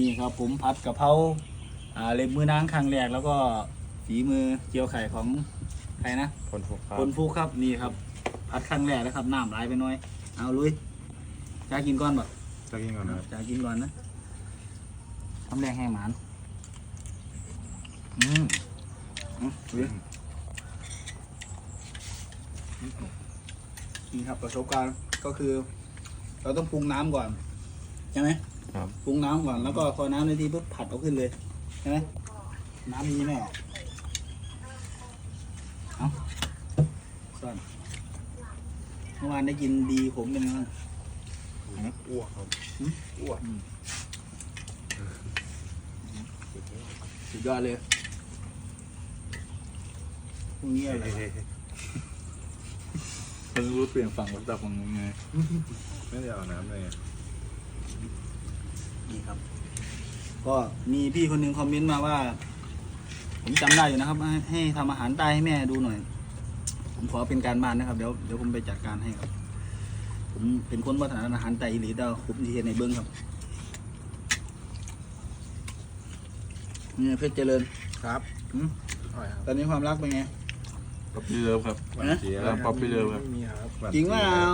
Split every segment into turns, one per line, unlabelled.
นี่ครับผมผัดกะเพราเล็บมือนางครั้งแรกแล้วก็ฝีมือเจียวไข่ของใครนะ
คนฟุกครับ
คนฟูกครับนี่ครับผัดครั้งแรกแล้วครับน้ำไหลไปหน่อยเอาลุยจ้ากินก่อนบ่
จะกินก่อนนะครับ
จ้ากินก่อนนะทำแรงแห้งหมานลุยนี่ครับประสบการณ์ก็คือ เราต้องปรุงน้ำก่อนใช่ไหม
ครับ
ปรุงน้ำก่อนแล้วก็พอน้ำในที่ปุ๊บผัดเอาขึ้นเลยใช่ไหมน้ำนี้ไม่ออกเอาซ่อนเมื่อวานได้กินดีผมเป็นไงบ้าง
อ้วกครับอ้วก
สุดยอดเลยพรุ่งนี้อะไร
เพิ่งรู้เปลี่ยนฝั่งวัตถุของยังไงไม่ได้เอาน้ำเลย
นี่ครับ ก็มีพี่คนหนึ่งคอมเมนต์มาว่า ผมจำได้อยู่นะครับ ให้ทำอาหารใต้ให้แม่ดูหน่อย ผมขอเป็นการบ้านนะครับเดี๋ยวผมไปจัดการให้ครับ ผมเป็นคนวัฒนธรรมอาหารไต้อีหลีเดาคุปที่เห็นในเบื้องครับนี่เพชรเจริญ
ครับ
อืม
อร่อยครับ
ตอนนี้ความรักเป็นไง
ป๊อปปี้เลิฟครับ
นะ
ป๊อปปี้เลิฟครับ
จริงว่าเอา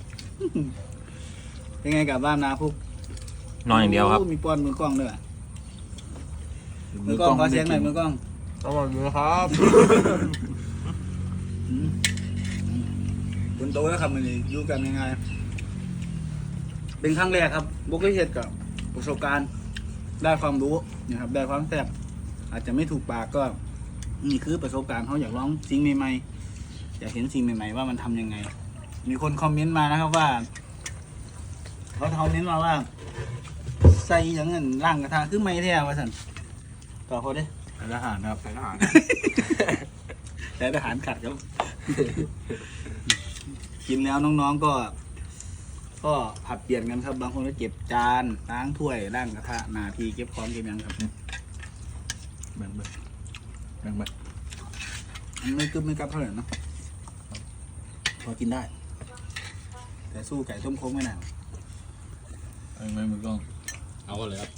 เป็นไงกลับบ้านนาพุก
นอนอย่างเดียวครับ
โมีป้อนมือกล้องด้วยว่ะมือกล้องขอเสียงหน่อยมือกล้อง
อร่อยเลยครับ
คนโตแล้วครับมันนี่อยู่กันยังไงเป็นครั้งแรกครับบุกได้เห็ดกับประสบการณ์ได้ความรู้นะครับได้ความแซ่บอาจจะไม่ถูกปากก็นี่คือประสบการณ์เขาอยากลองสิ่งใหม่ๆอยากเห็นสิ่งใหม่ๆว่ามันทำยังไง มีคนคอมเมนต์มานะครับว่าเขาคอมเมนต์มาว่า ใส่อย่างเงินร่างกระทะคือไม่แท้ว่าสันต่อเขาเด้
ทหารครับทหาร
แต่ทหารขัดครับ กินแล้วน้องๆก็ผัดเปลี่ยนกันครับ บางคนก็เก็บจานล้างถ้วยล้างกระทะหน้าที่เก็บของเก็บหยังครับ
แบ่งไปแบ่งไป
มันไม่กึบไม่กับเท่าไหร่เนอะพอกินได้ แต่สู้ไก่ต้มโค้งไม่นาน
เอาไหมมือกล้อง
เอาก็เลยครับ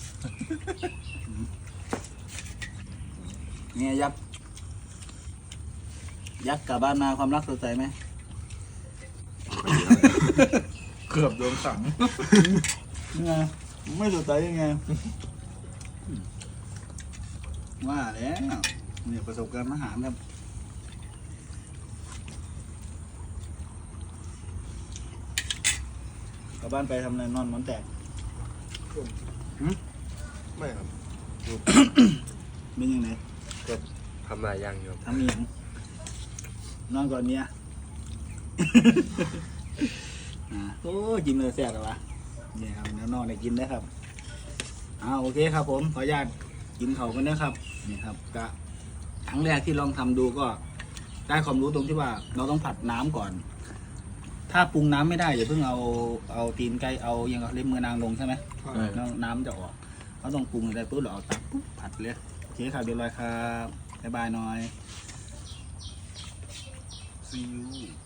เนี่ยยักษ์กลับบ้านมาความรักสดใสไหม
เกือบโดนสั่ง
ยังไงไม่สดใสยังไงว่าแล้วเนี่ยประสบการณ์อาหารครับกลับบ้านไปทำอะไรนอนหมอนแตก
ไม่ครับ
เป็นยังไง
ทำหลายอย่างอยู่
ทำอหย่างนอนก่อนเมีย โอ้กินเลยแซ่บเลยวะเนี่ยครับแล้วนอนได้กินได้ครับโอเคครับผมขออนุญาตกินเขากันนะครับนี่ครับกะครั้งแรกที่ลองทำดูก็ได้ความรู้ตรงที่ว่าเราต้องผัดน้ำก่อน ถ้าปรุงน้ำไม่ได้อย่าเพิ่งเอาตีนไก่เอายังเอาเล็บมือนางลงใช่ไหมแล้วน้ำจะออกเราต้องปรุงอะไรปุ๊บเราเอาตักปุ๊บผัดเลยโอเคครับเดี๋ยวเลยครับบ๊ายบายหน่อย
ซีอิ๊ว